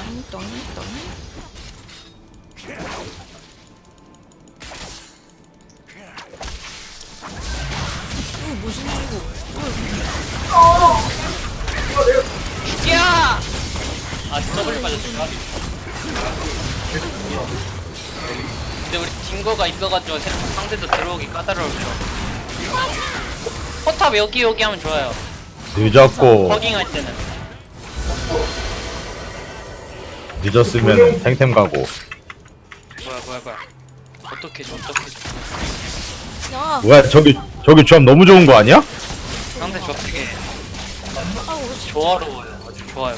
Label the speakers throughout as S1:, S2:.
S1: 똥똥똥. 무슨 일이고?
S2: 야! 아, 더블 빠졌어. 근데 우리 딩거가 있어가지고 상대도 들어오기 까다로워요. 포탑 여기 하면 좋아요.
S3: 늦었고
S2: 허깅할 때는.
S3: 늦었으면 탱템 가고.
S2: 뭐야. 어떻게 줘.
S1: 야,
S3: 뭐야 저기 조합 너무 좋은 거 아니야?
S2: 상대 저렇게
S1: 아우,
S2: 조화로워요. 아주 좋아요.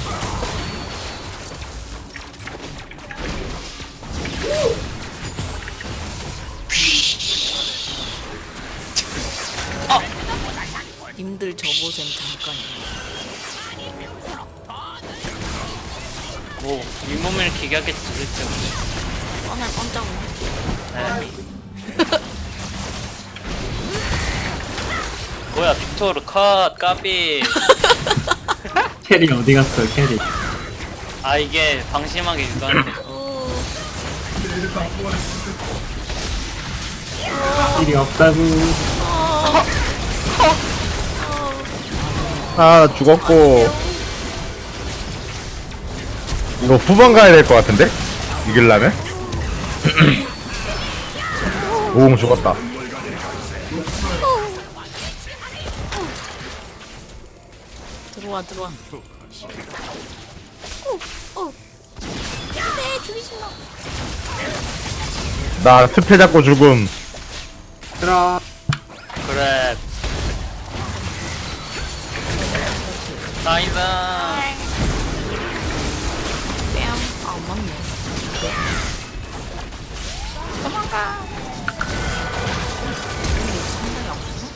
S1: 님들 저보셈 잠깐.
S2: 뭐 윗몸을 기괴하겠지 그랬죠.
S1: 뻔할 뻔짜고.
S2: 네. 뭐야 빅토르 컷 까비.
S4: 캐리 어디 갔어, 캐리?
S2: 아 이게 방심하게 유도하는데.
S4: 캐리 없다고.
S3: 아 죽었고. 이거 후반 가야 될 것 같은데? 이길라면? 오공 죽었다.
S1: 들어와. 네, 죽이지 마.
S3: 나 스페 잡고 죽음.
S4: 들어.
S2: 그래. 나이스.
S1: 뺨. 아, 안 맞네. 도망가. 상당히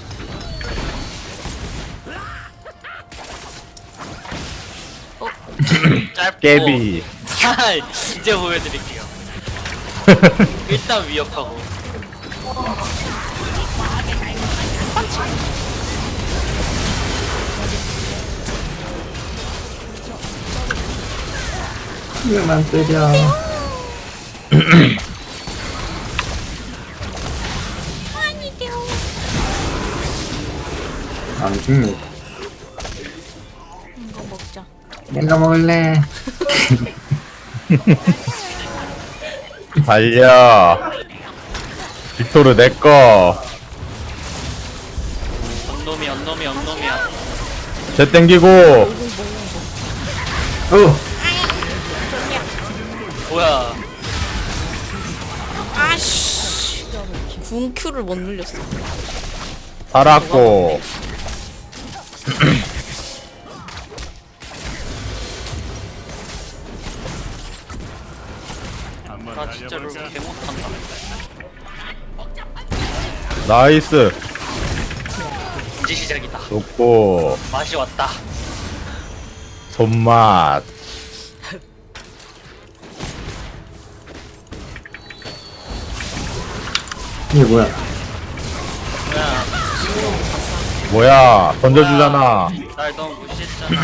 S1: 아프네.
S2: 짧고.
S3: 깨비.
S2: 이제 보여드릴게요. 일단 위협하고.
S4: 왜만 때려?
S1: 아니죠.
S4: 안 죽네.
S1: 이거 먹자.
S4: 내가 먹을래.
S3: 달려. 빅토르 내꺼.
S2: 언놈이야.
S3: 쟤 땡기고.
S2: 뭐야.
S1: 아씨. 궁큐를 못 눌렸어.
S3: 살았고.
S2: 나 진짜로 개 못한다.
S3: 나이스.
S2: 이제 시작이다.
S3: 좋고.
S2: 맛이 왔다.
S3: 손맛.
S4: 이게 뭐야?
S2: 뭐야.
S3: 뭐야 던져주잖아.
S2: 날 너무 무시했잖아.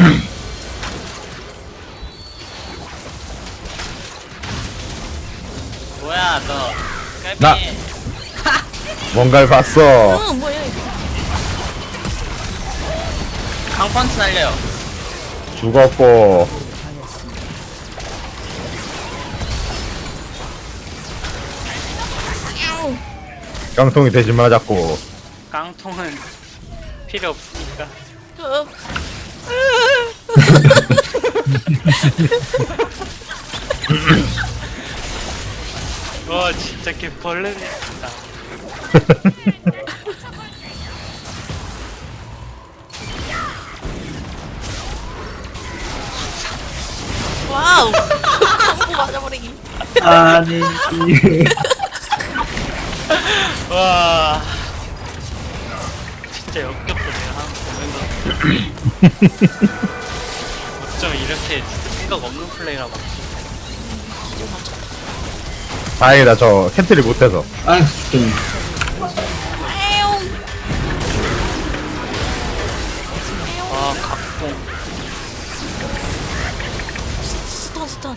S2: 뭐야 너. 깔비.
S3: 나- 뭔가를 봤어.
S1: 뭐야 이거.
S2: 강펀치 날려요.
S3: 죽었고. 깡통이 대신 맞았고.
S2: 깡통은 필요 없으니까. 와 진짜 개벌레네 진짜.
S1: 와우. 콤보 맞아버리기.
S4: 아니.
S2: 와 진짜 역겹다 내가 하는 거 보면서. 어쩜 이렇게 생각 없는 플레이라고.
S3: 다행이다 저 캔틀이 못해서.
S4: 아휴, 죽겠네.
S2: 아 각공.
S1: 스턴 스턴.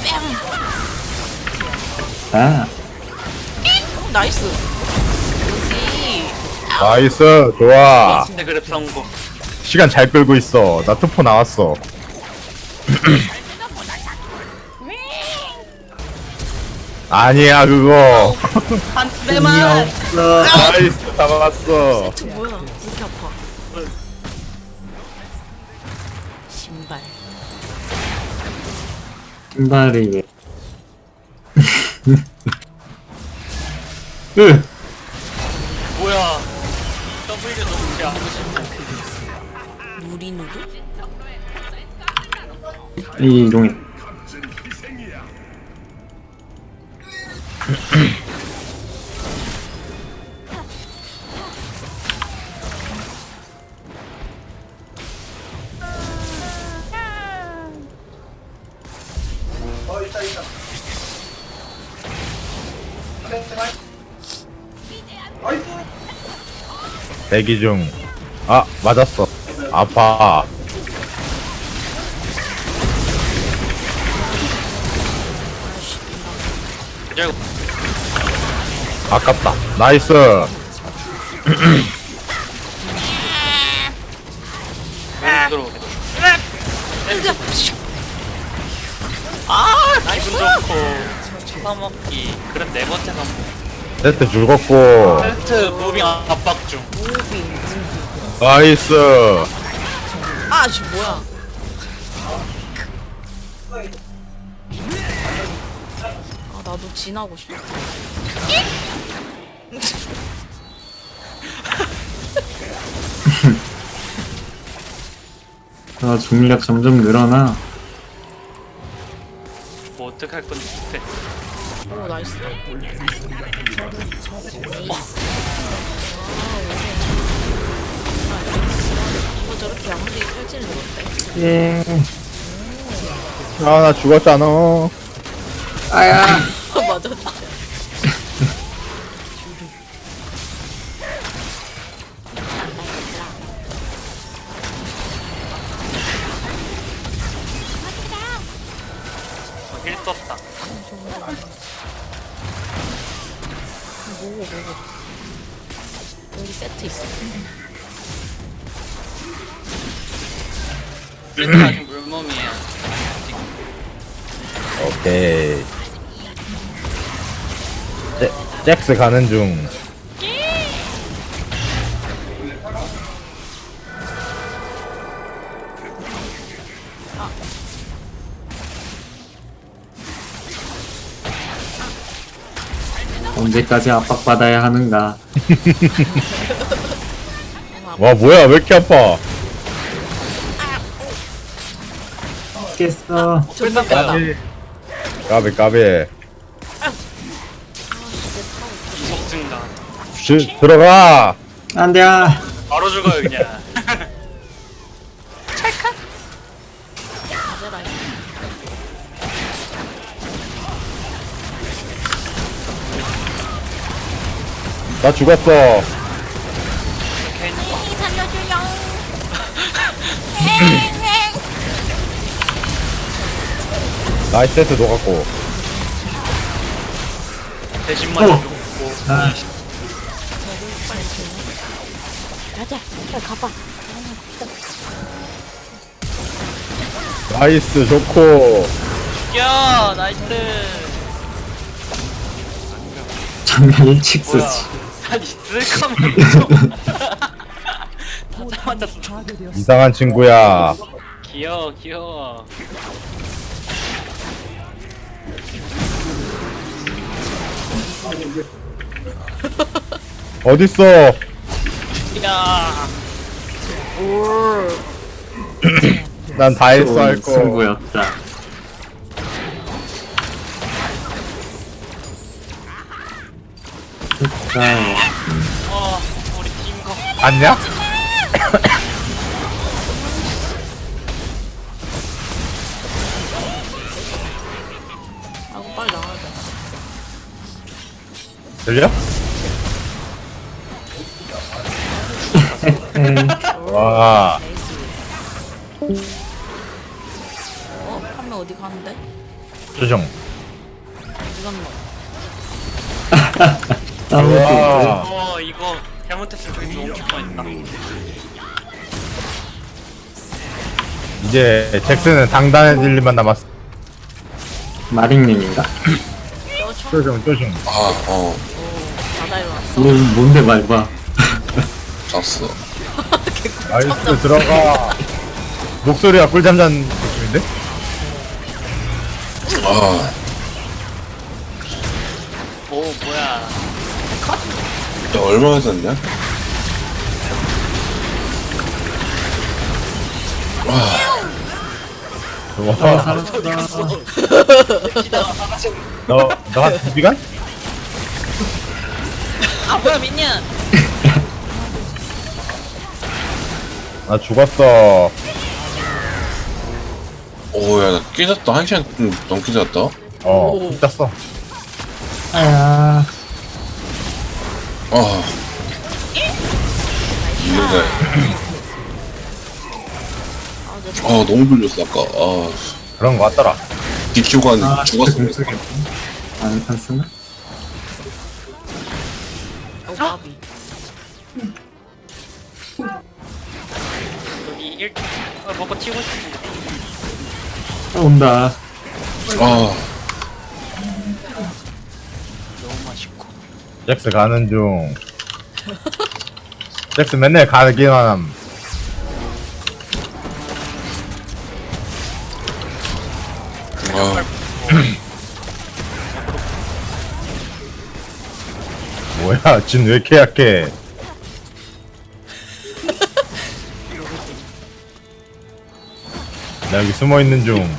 S1: 뺨.
S4: 아,
S1: 나이스. 여기.
S3: 나이스 좋아.
S2: 네, 그래 성공.
S3: 시간 잘 끌고 있어. 나 투포 나왔어. 아니야 그거.
S1: 한
S4: 힘이
S1: 대만.
S4: 없어.
S3: 나이스 잡아봤어.
S1: 저 뭐야? 왜 이렇게 아파? 신발.
S4: 신발이 왜? 으,
S2: 뭐야? W 너무 배하고 싶다.
S1: 누리누리?
S4: 이 이동해.
S3: 대기 중. 아 맞았어. 아파.
S2: 이제
S3: 아깝다. 나이스.
S2: 왜 들어오게?
S1: 아,
S2: 기분 좋고 처먹기. 그럼 네 번째 선물.
S3: 세트 죽었고.
S2: 헬트 무빙 압박 중.
S3: 나이스.
S1: 아, 씨 뭐야? 아, 나도 지나고 싶어.
S4: 아, 중력 점점 늘어나.
S2: 뭐 어떡할 건지 못해.
S1: 오, 나이스. 이거 저렇게 야무지게 펼치는 건데.
S4: 예.
S3: 아 나 죽었잖아.
S4: 아야.
S1: 맞아, 진짜.
S2: 힐 떴다.
S1: 뭐고. 여기 세트 있어.
S2: 힐트 아직 물몸이에요.
S3: 오케이. 잭스 가는 중.
S4: 언제까지 압박받아야 하는가?
S3: 와 뭐야 왜 이렇게 아파?
S4: 깼어.
S1: 존나 뺐다.
S3: 까비 까비.
S2: 이속 증가.
S3: 들어가.
S4: 안 돼.
S2: 바로 죽어요 그냥.
S1: 가져라.
S3: 나 죽었어.
S1: 살려줘요.
S3: 나이스 세트 녹았고.
S2: 대신만 죽고.
S4: 아,
S1: 가자. 빨리 가봐.
S3: 나이스 좋고.
S2: 야 나이스.
S4: 장난 일찍
S2: 뭐야?
S4: 쓰지.
S2: 아니 쓸 거면 다 맞았어.
S3: 이상한 친구야.
S2: 귀여워.
S3: 어딨어?
S2: 야.
S3: 난 다 했어
S4: 좋은
S3: 할 거.
S4: 승부였다. 좋아요.
S2: 우리 팀 거.
S3: 봤냐?
S1: 아고 빨리 나와야 돼.
S3: 들려? 와.
S1: 한 명 어디 가는데?
S3: 조정.
S1: 이건 뭐.
S4: 싸우고
S2: 이거 잘못했으면 저기 너무 킬 뻔했다.
S3: 이제 잭슨은 당당해질 일만 남았어.
S4: 마링님인가?
S1: 저
S3: 조정.
S1: 오, 바다 일어났어.
S4: 뭔데 말봐.
S5: 잤어.
S3: 나이스 들어가. 목소리가 꿀잠 잔 느낌인데?
S5: 아,
S2: 오 뭐야.
S5: 야, 얼마나 잤냐?
S3: 와,
S4: 살았어.
S3: 너한 2시간?
S1: 아 뭐야 민니언.
S3: 나 죽었어.
S5: 오, 야, 나 깨졌다. 1시간 좀 넘게 잤다.
S3: 푹 잤어.
S4: 아야.
S5: 아. 이거가, 너무 졸렸어, 아까. 아,
S3: 그런 거 같더라.
S5: DQ가
S4: 아,
S5: 죽었어.
S4: 진짜 안 쓰나?
S1: 오 바비.
S2: 여기 1 먹고 튀고 싶은데.
S4: 온다.
S5: 아,
S2: 너무 맛있고.
S3: 잭스 가는 중. 잭스 맨날 가기만 함.
S5: 아,
S3: 뭐야, 진 왜 이렇게 약해? 나 여기 숨어 있는 중.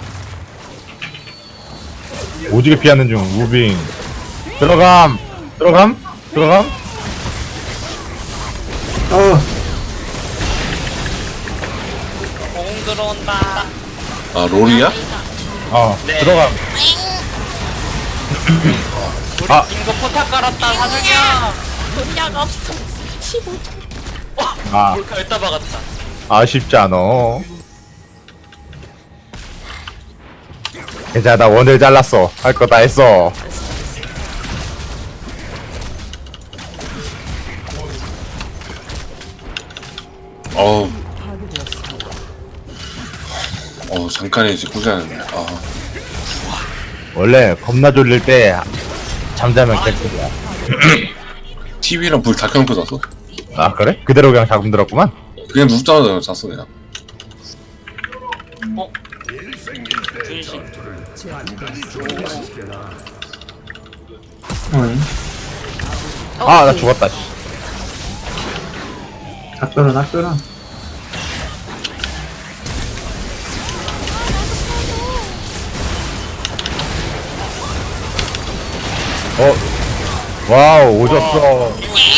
S3: 오지게 피하는 중. 무빙. 들어감. 들어감. 들어감.
S2: 공 들어온다.
S5: 아, 롤이야?
S2: 네.
S3: 들어감.
S2: 우리
S3: 아.
S2: 빙고 포탑 깔았다 사중이야.
S1: 돈약 없어. 15점.
S3: 아,
S2: 몰카 여기다 박았다.
S3: 아쉽지 않어. 괜찮아, 나 원을 잘랐어. 할 거 다 했어.
S5: 어우. 잠깐이지, 꾸자는. 아,
S3: 원래 겁나 졸릴 때 잠자면 개꿀이야.
S5: TV랑 불 다 켜놓고 잤어.
S3: 아, 그래? 그대로 그냥 자금 들었구만.
S5: 그냥 눕자마자 잤어, 그냥.
S2: 분신.
S4: 어이.
S3: 아, 나 죽었다. 씨.
S4: 닭들어, 닭들어.
S3: 와우, 오졌어.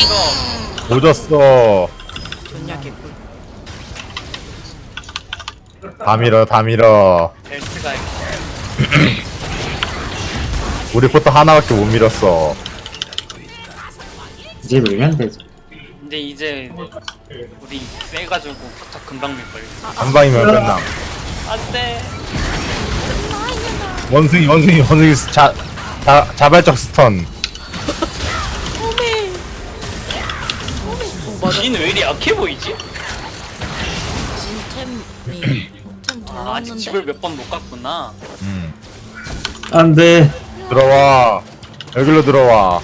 S3: 오졌어.
S1: 돈약 개꿀.
S3: 다 밀어, 다 밀어.
S2: 벨트가 있고.
S3: 우리 포터 하나밖에 못 밀었어.
S4: 이제 밀면 되지.
S2: 근데 이제 우리 빼가지고 포탑 금방 밀걸.
S3: 한 방이면 끝남.
S2: 안돼.
S3: 원숭이 자발적 스턴.
S1: 오메. 오 맞아.
S2: 지는 왜 이리 약해 보이지?
S1: 진템이 템
S2: 아, 아직
S1: 달랐는데.
S2: 집을 몇 번 못 갔구나.
S4: 안 돼.
S3: 들어와. 여기로 들어와.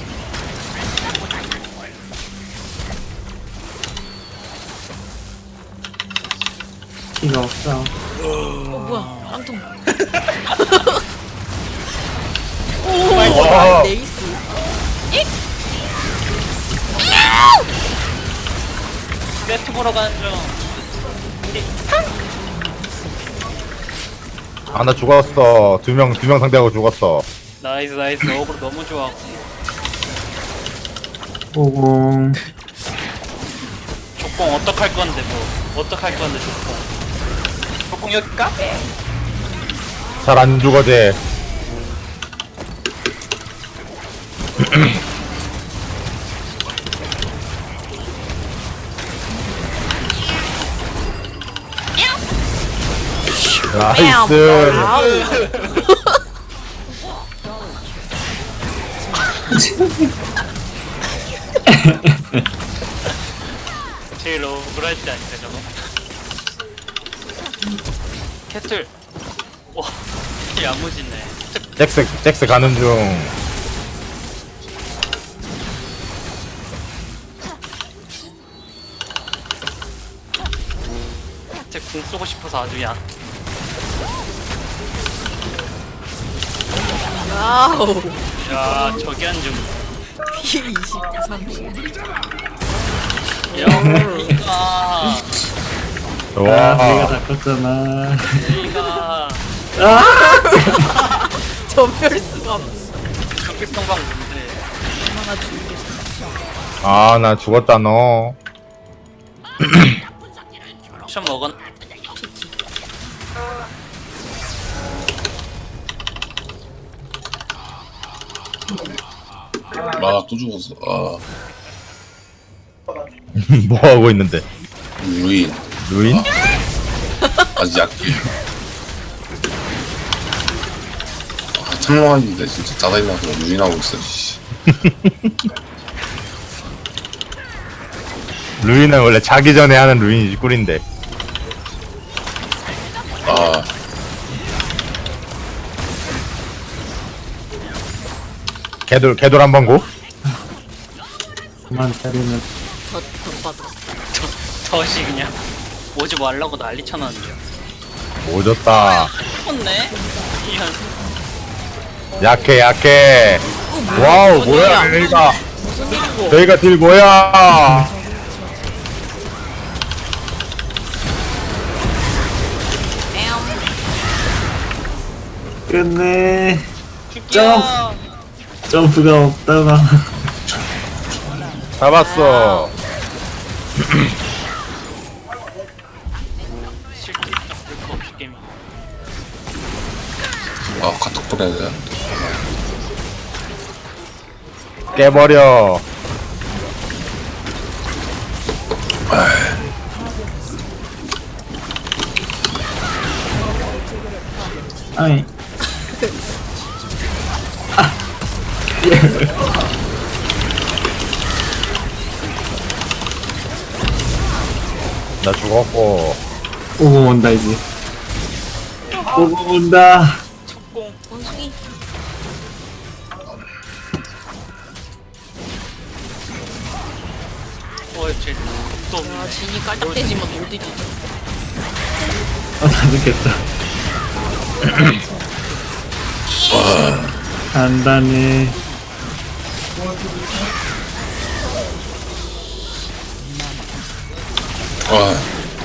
S4: 피가 없어.
S1: 뭐야 깡통.
S3: 와.
S1: 오 네이스.
S2: 세트 보러 가는 중.
S3: 아, 나 죽었어. 두 명 상대하고 죽었어.
S2: 나이스 어그로 너무 좋아.
S4: 오공.
S2: 족봉 어떡할 건데 뭐 어떡할 건데 족봉. 족봉 여기 까베.
S3: 잘 안 죽어, 쟤. 나이스.
S1: 아우.
S2: 제일 억울할 때 아닌가 저거? 캐틀. 와, 야무지네.
S3: 잭스 가는 중.
S2: 캐틀 궁 쏘고 싶어서 아주 야.
S1: 와우.
S2: 야, 저기 한 좀.
S1: 피 20, 30.
S2: 야, 이가.
S4: 아,
S3: 와.
S4: 내가 다 컸잖아.
S2: 이가.
S1: 전멸 수가 없어.
S2: 경기평방 뭔데?
S1: 얼마나 죽이겠어.
S3: 아, 나 죽었다, 너.
S2: 션 먹은.
S5: 아, 또 죽었어. 아,
S3: 뭐 하고 있는데?
S5: 루인.
S3: 루인?
S5: 아직 약해. 아, 창망하는데 진짜 짜다이나서 루인하고 있어, 씨.
S3: 루인은 원래 자기 전에 하는 루인이지, 꿀인데.
S5: 아,
S3: 개돌 한번 고?
S4: 그만 때리면
S1: 더 받아.
S2: 덫이 그냥 오지 말라고 난리 쳐놨는데요.
S3: 오졌다.
S2: 컸네? 이런.
S3: 약해. 와우, 뭐야, 저희가.
S1: 무슨 일이고?
S3: 저희가 딜 뭐야.
S4: 끝내.
S2: 점!
S4: 점프가 없다가.
S3: 잡았어.
S2: 실제 볼거 없이 게임.
S5: 아, 카톡 보내야 돼.
S3: 깨버려.
S4: 아이.
S3: 나 죽었고.
S4: 오고 온다 이제. 오고 온다.
S2: 속공.
S1: 원숭이.
S2: 쟤 또.
S1: 아, 진이 깔딱대지만 못 이기지.
S4: 다 죽겠다. 간단해.
S5: 아,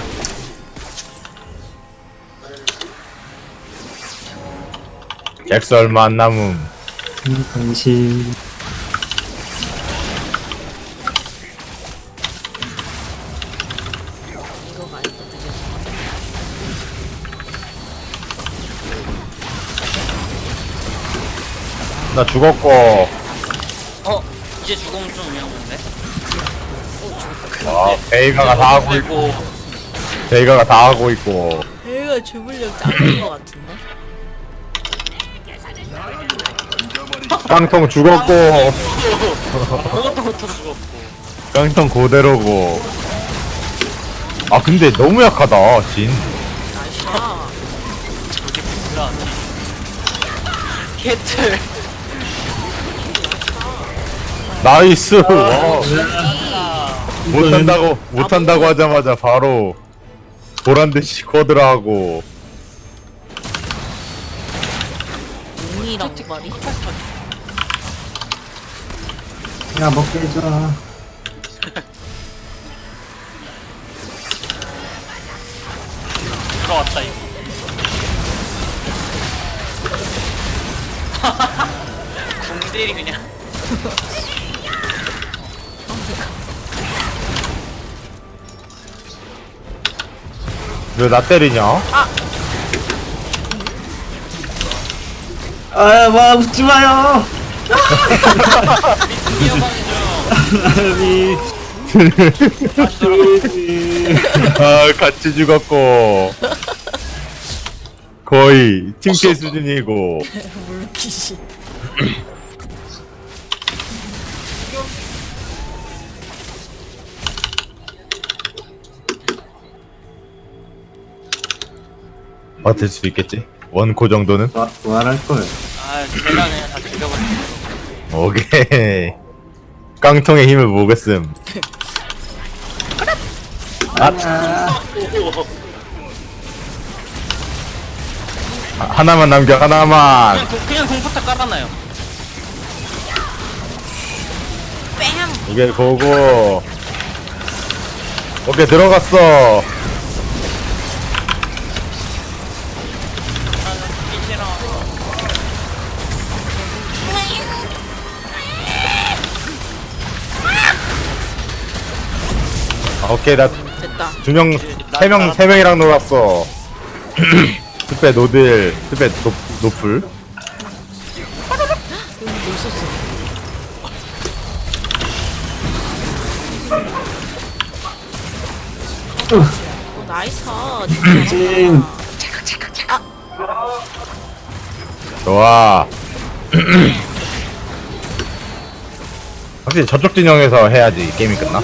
S3: 잭스 얼마 안 남음.
S4: 당신.
S1: 이거 말고 되게
S3: 나 죽었고.
S2: 이제 죽으면 좀 위험한데?
S3: 와, 베이가가 다 하고 있고. 베이가가 다 하고 있고.
S1: 얘가 주물력 짱인 것 같은데?
S3: 깡통 죽었고.
S2: 아무것도 못하고 죽었고.
S3: 깡통 그대로고. 아, 근데 너무 약하다, 진.
S1: 나이샤.
S2: 저게 뭐야? 캐틀.
S3: 나이스. 와.
S2: 아,
S3: 못한다고 하자마자 바로 보란듯이 쿼드라하고.
S1: 눈이랑 말이?
S4: 야 먹게 해줘.
S2: 들어왔다 이거. 궁딜이 그냥.
S3: 왜 나 때리냐?
S4: 아와 웃지 마요. 아니.
S2: 다시 돌아가.
S3: 아, 같이 죽었고. 거의 팀킬 수준이고.
S1: 물기시.
S3: 버틸 수 있겠지? 원코 정도는?
S4: 부활할 거예요.
S2: 아 제가 그냥 다 죽여버렸어.
S3: 오케이. 깡통의 힘을 보겠음. 하나만 남겨, 하나만.
S2: 그냥 공포탑 깔아놔요.
S1: 뺨!
S3: 이게 보고. 오케이, 들어갔어. 오케이, 나
S1: 됐다.
S3: 두 명, 세 명이랑 놀았어. 스페 노딜, 스페 노플.
S1: 여기 뭐 있었어? 나이스.
S4: 찐.
S3: 좋아. 확실히 저쪽 진영에서 해야지 게임이 끝나.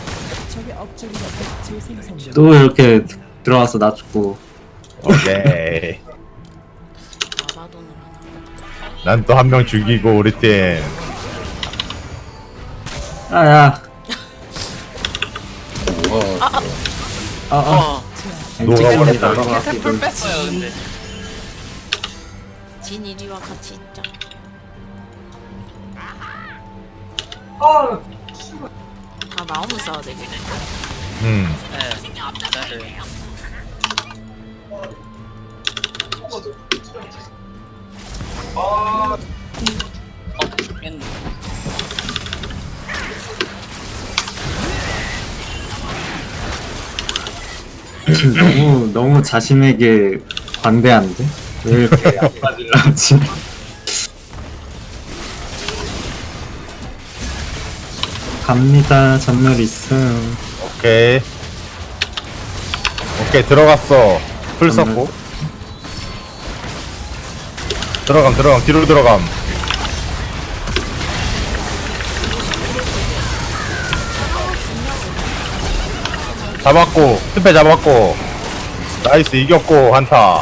S4: 또 이렇게 들어와서 나 죽고.
S3: 오케이.
S1: 아마돈을 하나.
S3: 난 또 한 명 죽이고 우리 팀.
S4: 아야.
S5: 뭐가
S2: 어.
S3: 녹아버렸다.
S2: 풀 뺐어요 근데.
S1: 진이리와 같이 있자. 다 나오면 싸워야 되겠네.
S2: 네. 네. 죽겠네.
S4: 너무 자신에게 관대한데? 왜 이렇게 안 빠질라 하지? 갑니다. 전멸 있음.
S3: 오케이. 오케이 들어갔어. 풀 썼고. 들어감 뒤로 들어감. 잡았고 스페 잡았고. 나이스 이겼고 한타.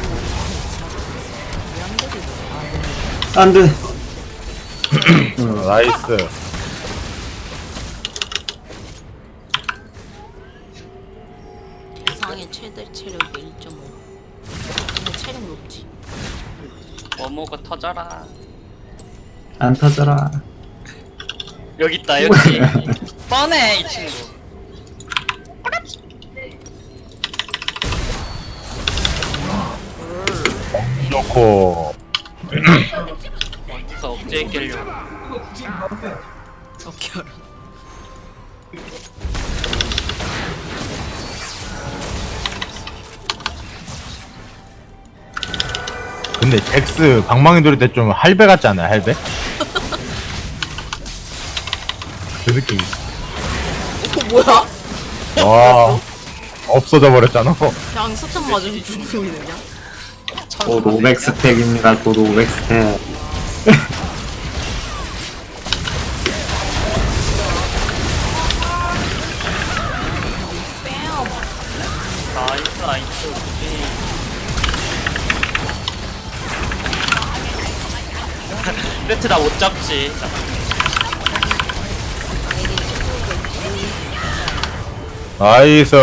S4: 안 돼.
S3: 나이스.
S1: 대상의 최대 체력이 1.5. 근데 체력 높지.
S2: 뭐뭐가 터져라.
S4: 안 터져라.
S2: 여기 있다 여기. 뻔해 이 친구.
S3: 좋고.
S2: 어디서 억제에 깨려고.
S1: 오케이 알아.
S3: 근데 잭스 방망이 돌릴 때 좀 할배 같지 않아요? 할배? 그 느낌.
S1: 뭐야?
S3: 와 없어져 버렸잖아.
S1: 그냥 스턴 맞으면 죽고 있는 그냥.
S4: 곧 500 스택입니다. 곧 500 스택.
S2: 나이스 나이스. 세트 다 못 잡지.
S3: 나이스.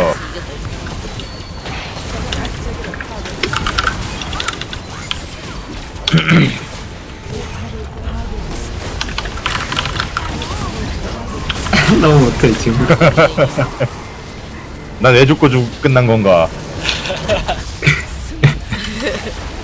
S4: 너무 못해 지금.
S3: 난 왜 죽고 끝난 건가?